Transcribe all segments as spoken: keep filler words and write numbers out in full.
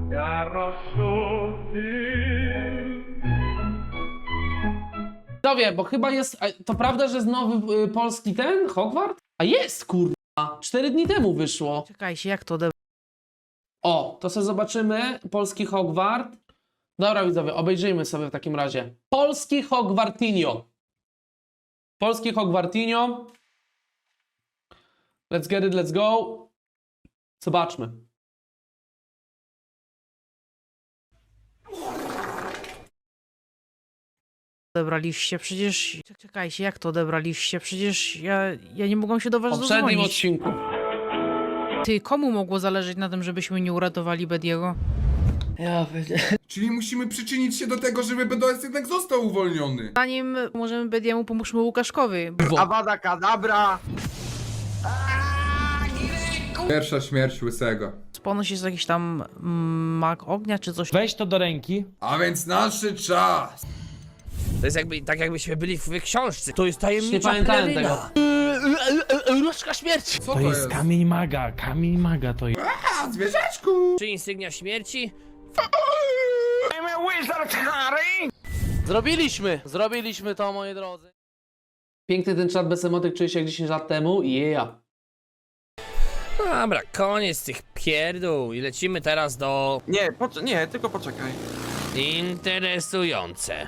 Widzowie, bo chyba jest... To prawda, że jest nowy y, polski ten, Hogwart? A jest, kurwa. Cztery dni temu wyszło. Czekajcie, jak to odebrać? O, to sobie zobaczymy. Polski Hogwart. Dobra, widzowie, obejrzyjmy sobie w takim razie. Polski Hogwartinio. Polski Hogwartinio. Let's get it, let's go. Zobaczmy. Odebraliście? Przecież... Czekajcie, jak to odebraliście? Przecież ja, ja nie mogłam się do W was poprzednim dodzwonić. odcinku. Ty, komu mogło zależeć na tym, żebyśmy nie uratowali Bediego? Ja wiedziałem. Czyli musimy przyczynić się do tego, żeby B D S jednak został uwolniony. Zanim możemy Bediemu, pomóżmy Łukaszkowi. Awada Kadabra! Pierwsza śmierć Łysego. Ponoć jest jakiś tam mm, mag ognia czy coś. Weź to do ręki. A więc nadszedł czas. To jest jakby, tak jakbyśmy byli w książce. To jest Nie tajemnicza pamiętałem peleryna. tego. Różdżka śmierci! Co To jest kamień maga, kamień maga to jest. A, zwierzaczku! Czy insygnia śmierci? Zrobiliśmy! Zrobiliśmy to, moi drodzy. Piękny ten czat bez emotek czuje się jak dziesięć lat temu. Yeah. Dobra, koniec tych pierdół i lecimy teraz do... Nie, poc- nie, tylko poczekaj. Interesujące.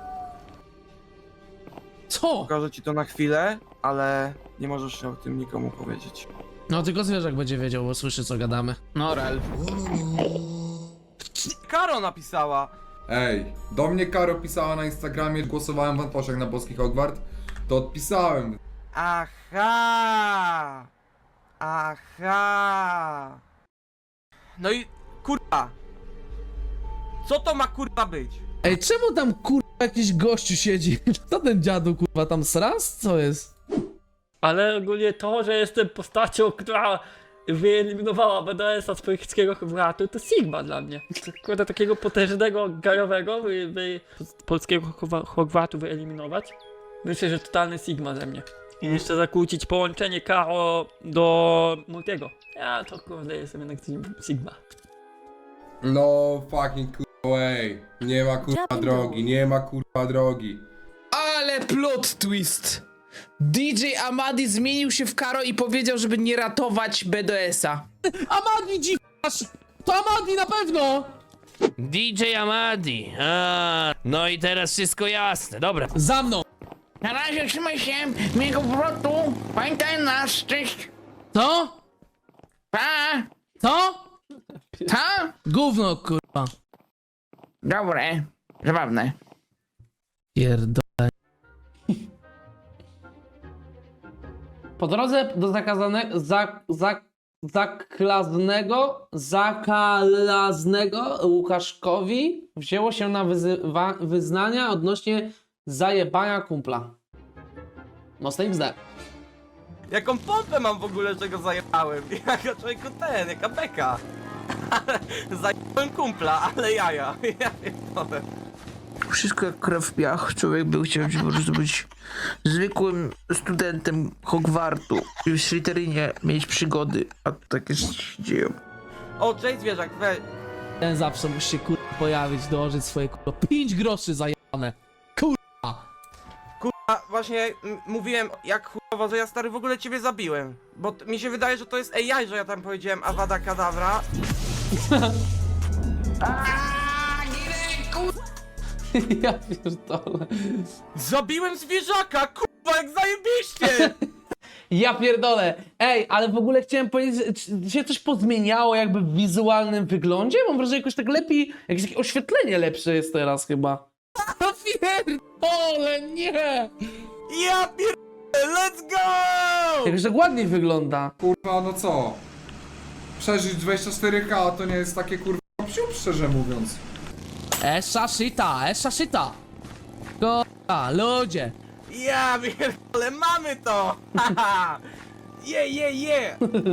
Co? Pokażę ci to na chwilę, ale nie możesz o tym nikomu powiedzieć. No tylko zwierzak będzie wiedział, bo słyszy co gadamy. No rel. Karo napisała! Ej, do mnie Karo pisała na Instagramie, głosowałem w Antoszach na boski Hogwart, to odpisałem. Aha! Aha! No i kurwa! Co to ma kurwa być? Ej, czemu tam kurwa jakiś gościu siedzi? Co ten dziadu kurwa tam sraz? Co jest? Ale ogólnie to, że jestem postacią, która wyeliminowała B D S-a z polskiego Hogwartu, to Sigma dla mnie. Kurde, takiego potężnego, gajowego wy, wy, z polskiego Hogwartu wyeliminować. Myślę, że totalny Sigma ze mnie. I jeszcze zakłócić połączenie Karo do Multiego. Ja to kurde jestem jednak Sigma. No fucking kurwa way. Nie ma kurwa drogi, nie ma kurwa drogi. Ale plot twist! D J Amadi zmienił się w Karo i powiedział, żeby nie ratować B D S-a. Amadi dziwasz! To Amadi na pewno! D J Amadi. A, no i teraz wszystko jasne, dobra. Za mną! Na razie trzymaj się, miłego powrotu. Pamiętaj nas, cześć. Co? Pa! Co? Ta? Gówno kurwa. Dobre, zabawne. Pierdolę. Po drodze do zakazanego, za, za, zaklaznego, zakalaznego Łukaszkowi wzięło się na wyzywa, wyznania odnośnie zajebania kumpla. Mocno im zda. Jaką pompę mam w ogóle, że go zajebałem? Jaka człowieku ten, jaka beka. Zajebałem kumpla, ale jaja. Ja pierdolę. Wszystko jak krew w piach. Człowiek by chciał po prostu być zwykłym studentem Hogwartu i w Slytherinie mieć przygody, a takie się dzieją. O, cześć zwierzak, weź. Ten zawsze musi się kurwa pojawić, dołożyć swoje kurwa pięć groszy zajebane. A właśnie m- mówiłem jak chujowo, że ja stary w ogóle ciebie zabiłem. Bo t- mi się wydaje, że to jest A I, że ja tam powiedziałem Awada Kadabra. Ja pierdolę. Zabiłem zwierzaka, kurwa, jak zajebiście! Ja pierdolę. Ej, ale w ogóle chciałem powiedzieć, czy się coś pozmieniało jakby w wizualnym wyglądzie? Mam wrażenie, jakoś tak lepiej, jakieś takie oświetlenie lepsze jest teraz chyba. Ja pierdolę, nie! Ja pierdolę, let's go! Jakoś tak ładniej wygląda. Kurwa, no co? Przeżyć dwadzieścia cztery K to nie jest takie kurwa psiup, szczerze mówiąc. Esza shita, esza shita. Kurwa, ludzie. Ja pierdolę, mamy to! Haha! Je, je, je!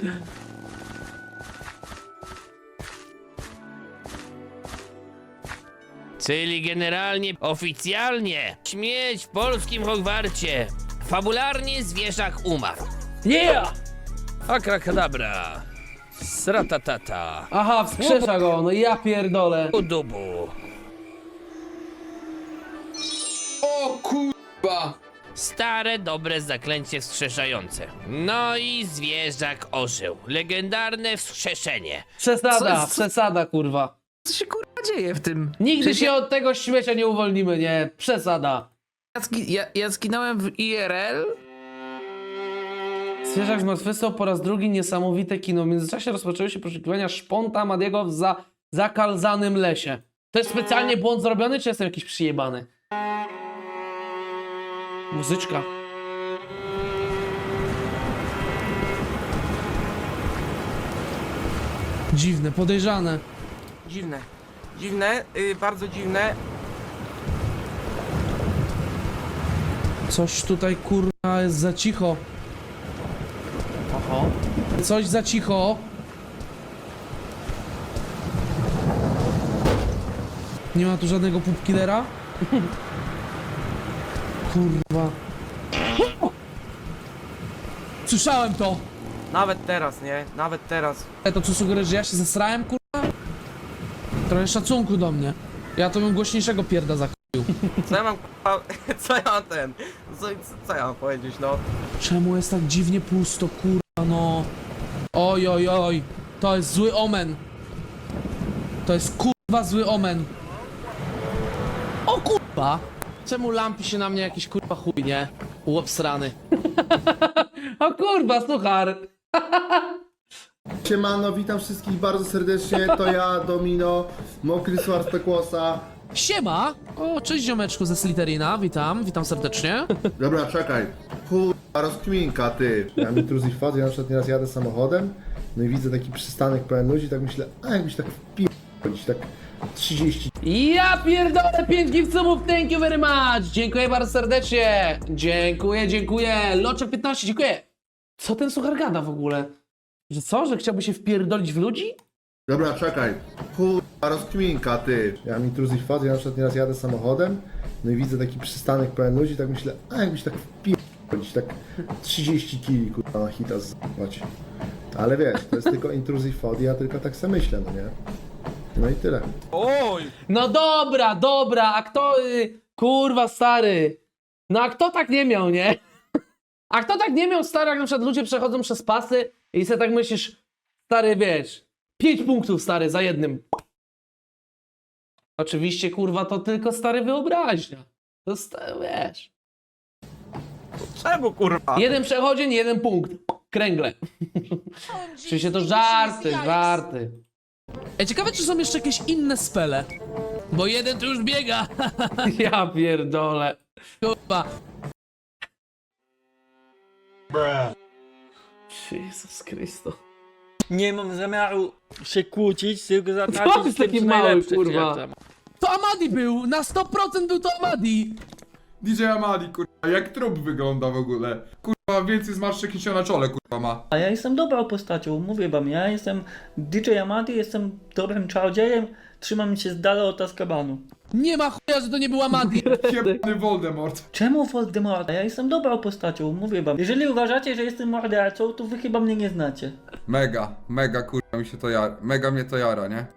Czyli generalnie, oficjalnie, śmierć w polskim Hogwarcie. Fabularnie zwierzak umarł. Yeah! Akrakadabra. Sratatata. Aha, wskrzesza go, no ja pierdolę. Udubu. O kurwa! Stare, dobre zaklęcie wskrzeszające. No i zwierzak ożył. Legendarne wskrzeszenie. Przesada, Co- co- przesada, kurwa. Co się kurwa dzieje w tym? Nigdy Przecież się od tego śmiecia nie uwolnimy, nie? Przesada. Ja, zgi- ja, ja zginąłem w I R L? Zwierzak zmartwychwstał po raz drugi, niesamowite kino. W międzyczasie rozpoczęły się poszukiwania szponta Madiego w za zakalzanym lesie. To jest specjalnie błąd zrobiony, czy jestem jakiś przyjebany? Muzyczka. Dziwne, podejrzane. Dziwne. Dziwne, y, bardzo dziwne. Coś tutaj kurwa jest za cicho. Oho. Coś za cicho. Nie ma tu żadnego pupkillera? Kurwa. Słyszałem to! Nawet teraz, nie? Nawet teraz. E, to co sugerujesz, że ja się zesrałem, kurwa? Trochę szacunku do mnie. Ja to bym głośniejszego pierda zakupił. Co ja mam kurwa, co ja mam ten? Co, co ja mam powiedzieć, no? Czemu jest tak dziwnie pusto, kurwa, no? Oj, oj, oj. To jest zły omen. To jest kurwa zły omen. O kurwa! Czemu lampi się na mnie jakiś kurwa chuj, nie? Łopsrany. O kurwa, suchar. Siemano, witam wszystkich bardzo serdecznie, to ja, Domino, Mokry Suar z Pekłosa. Siema! O, cześć ziomeczku ze Slytherina, witam, witam serdecznie. Dobra, czekaj, kurwa, rozkminka, ty. Ja mam intrusive thought, ja na przykład nieraz jadę samochodem, no i widzę taki przystanek pełen ludzi, tak myślę, a jakbyś tak wpierdolić, tak trzydzieści. Ja pierdolę, pięć gifcumów, thank you very much! Dziękuję bardzo serdecznie! Dziękuję, dziękuję! Loczek piętnaście, dziękuję! Co ten suchar gada w ogóle? Że co, że chciałby się wpierdolić w ludzi? Dobra, czekaj, kurwa, rozkminka, ty. Ja mam intrusive thought, ja na przykład nieraz jadę samochodem, no i widzę taki przystanek pełen ludzi, tak myślę, a jakbyś tak wpierdolić, tak trzydzieści kili, kurwa, na hita zwać. Ale wiesz, to jest tylko intrusive thought, ja tylko tak sobie myślę, no nie? No i tyle. Oj! No dobra, dobra, a kto... Y, kurwa, stary. No a kto tak nie miał, nie? A kto tak nie miał, stary, jak na przykład ludzie przechodzą przez pasy i sobie tak myślisz, stary, wiesz, pięć punktów, stary, za jednym. Oczywiście, kurwa, to tylko, stary, wyobraźnia. To, stary, wiesz. Czemu kurwa? Jeden przechodzień, jeden punkt. Kręgle. Oczywiście to żarty, żarty. Ej, ciekawe, czy są jeszcze jakieś inne spele. Bo jeden tu już biega. Ja pierdolę. Kurwa. Jezus Chrysto. Nie mam zamiaru się kłócić, tylko Co zatracić jest w tym, taki co mały, najlepsze, kurwa? czy jak tam. To Amadi był! Na sto procent był to Amadi! D J Amadi, kurwa, jak trup wygląda w ogóle. Kurwa, więcej zmarszczek niż się na czole, kurwa, ma. A ja jestem dobrą postacią, mówię wam, ja jestem D J Amadi, jestem dobrym czarodziejem, trzymam się z dala od Azkabanu. Nie ma chuja, że to nie był Amadi! Jebany Voldemort. Czemu Voldemort? Ja jestem dobrą postacią, mówię wam. Jeżeli uważacie, że jestem mordercą, to wy chyba mnie nie znacie. Mega, mega, kurwa, mi się to jara. Mega mnie to jara, nie?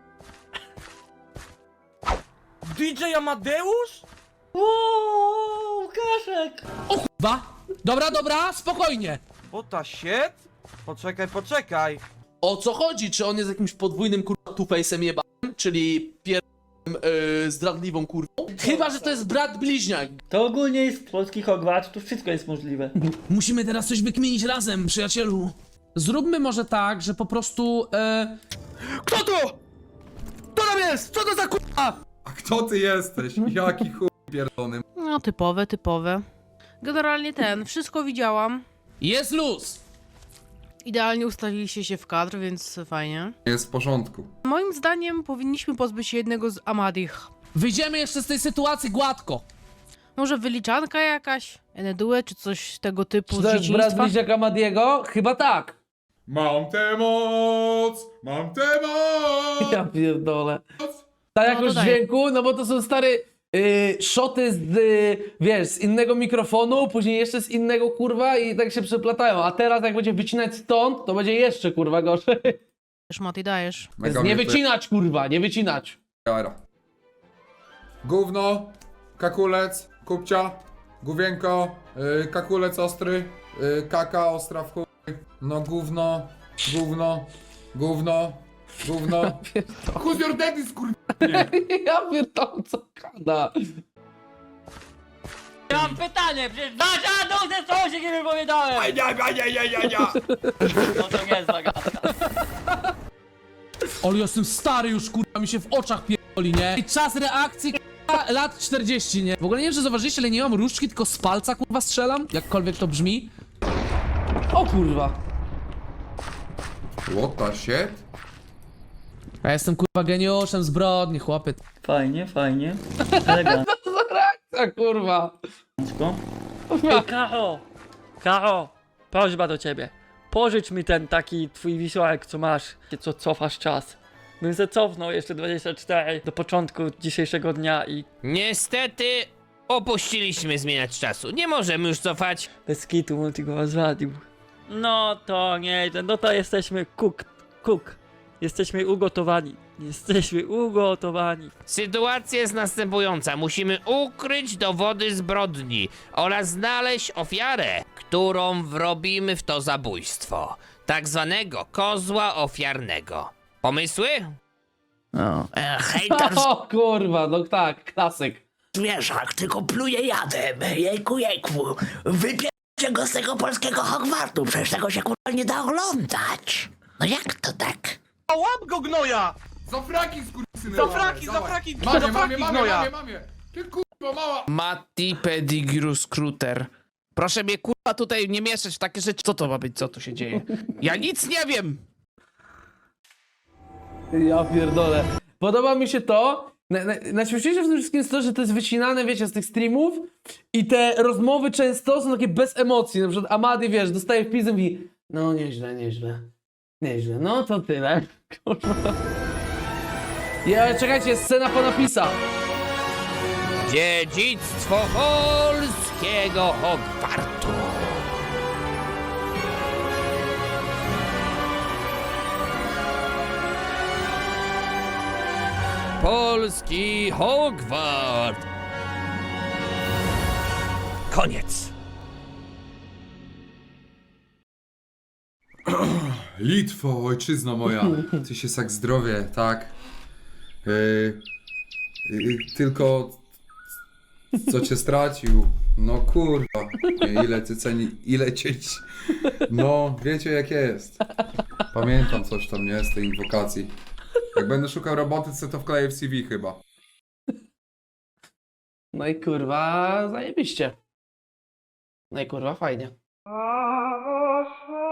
D J Amadeusz? Ooo, Łukaszek! O kurwa! Dobra, dobra, spokojnie! What the shit? Poczekaj, poczekaj. O co chodzi? Czy on jest jakimś podwójnym kurwa two-face'em jebanym? Czyli pierwszym yy, zdradliwą kurwą? Chyba, że to jest brat bliźniak. To ogólnie jest polski Hogwarts, tu wszystko jest możliwe. Musimy teraz coś wykminić razem, przyjacielu. Zróbmy może tak, że po prostu... E... Kto to? Kto tam jest? Co to za kurwa? A kto ty jesteś? Jaki chuj pierdolony. No, typowe, typowe. Generalnie ten, wszystko widziałam. Jest luz! Idealnie ustawiliście się w kadr, więc fajnie. Jest w porządku. Moim zdaniem powinniśmy pozbyć się jednego z Amadich. Wyjdziemy jeszcze z tej sytuacji gładko. Może wyliczanka jakaś? Enedue czy coś tego typu Czy z to jest brat dzieciństwa? bliźniaka Amadiego? Chyba tak. Mam tę moc! Mam tę moc! Ja pierdolę. Ta jakość dodaję. dźwięku, no bo to są stare yy, szoty z, yy, wiesz, z innego mikrofonu, później jeszcze z innego, kurwa, i tak się przeplatają. A teraz jak będzie wycinać stąd, to będzie jeszcze, kurwa, gorzej. Mati, dajesz. Mega Nie mnie to wycinać, kurwa, nie wycinać. jara. Gówno, kakulec, kupcia, gówienko, yy, kakulec ostry, yy, kaka ostra w chuj. No gówno, gówno, gówno, gówno. Who's your daddy, skur... Ja pierdolę, co gada. Mam pytanie, przecież wasza dusę co się nie wypowiadałem! Nie, nie, nie, nie, nie. No to nie jest zagadka. Ale jestem stary już, kurwa, mi się w oczach pierdoli, nie? I czas reakcji, kurwa, lat czterdzieści, nie? W ogóle nie wiem, czy zauważyliście, ale nie mam różdżki, tylko z palca, kurwa, strzelam. Jakkolwiek to brzmi. O kurwa. What the shit? Ja jestem, kurwa, geniuszem zbrodni, chłopie. Fajnie, fajnie. Elegancko. Co za reakcja, kurwa. Ej, Karo! Karo! Prośba do ciebie. Pożycz mi ten taki twój wisiorek, co masz, co cofasz czas. Bym se cofnął jeszcze dwadzieścia cztery do początku dzisiejszego dnia i Niestety opuściliśmy zmieniać czasu. Nie możemy już cofać. bez kitu multi go rozwalił. No to nie, no to jesteśmy cook, cook. Jesteśmy ugotowani. Jesteśmy ugotowani. Sytuacja jest następująca. Musimy ukryć dowody zbrodni oraz znaleźć ofiarę, którą wrobimy w to zabójstwo. Tak zwanego kozła ofiarnego. Pomysły? No. E, hejter O kurwa, no tak, klasyk. zwierzak, tylko pluje jadem. Jejku, jejku. Wypiercie go z tego polskiego Hogwartu, przecież tego się kurwa nie da oglądać. No jak to tak? A łap go gnoja! Za fraki, skurwysyny. Za fraki, dawaj. za fraki, Mamie, za mamie, fraki mamie, gnoja! mamie, mamie. Ty kurwa mała. Matti Pedigru Scruter. Proszę mnie kurwa tutaj nie mieszać w takie rzeczy. Co to ma być? Co tu się dzieje? Ja nic nie wiem! Ja pierdolę. Podoba mi się to. Na- na- Najśmieszniejsze w tym wszystkim jest to, że to jest wycinane, wiecie, z tych streamów i te rozmowy często są takie bez emocji. Na przykład Amadi, wiesz, dostaje wpis i mówi: no nieźle, nieźle, nieźle, no to tyle. Kurwa. Ja, czekajcie, jest scena po napisach. Dziedzictwo polskiego Hogwartu. Polski Hogwart. Koniec. Litwo, ojczyzno moja. Ty się tak zdrowie, tak. Yy, yy, tylko co cię stracił. No kurwa. Ile ty ceni, ile cię... No, wiecie jak jest. Pamiętam coś tam, nie? Z tej inwokacji. Jak będę szukał roboty, to to wkleję w C V chyba. No i kurwa, zajebiście. No i kurwa, fajnie.